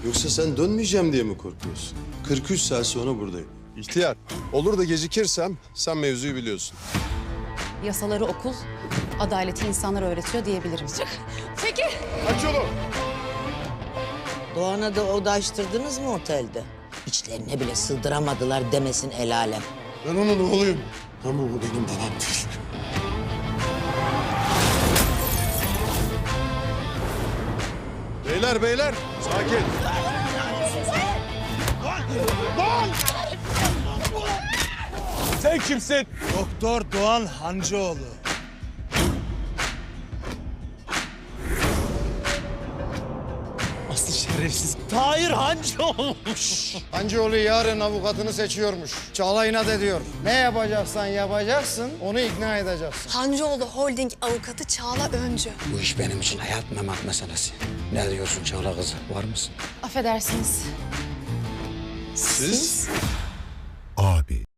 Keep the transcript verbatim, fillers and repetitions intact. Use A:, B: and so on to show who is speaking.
A: Yoksa sen dönmeyeceğim diye mi korkuyorsun? kırk üç saat sonra buradayım.
B: İhtiyar, olur da gecikirsem sen mevzuyu biliyorsun.
C: Yasaları okul, adaleti insanlar öğretiyor diyebilirim.
D: Peki.
B: Aç yolu!
E: Doğan'a da oda açtırdınız mı otelde? İçlerine bile sığdıramadılar demesin el alem.
A: Ben onun oğluyum. Ama o benim babam değil.
B: Beyler, beyler, sakin.
F: Sen kimsin?
G: Doktor Doğan Hancıoğlu.
F: Aslı şerefsiz. Tahir Hancıoğlu.
G: Hancıoğlu yarın avukatını seçiyormuş. Çağla inat ediyor. Ne yapacaksan yapacaksın, onu ikna edeceksin.
D: Hancıoğlu Holding avukatı Çağla Öncü.
H: Bu iş benim için hayat memat meselesi. Ne diyorsun Çağla kızı? Var mısın?
C: Affedersiniz.
A: Siz?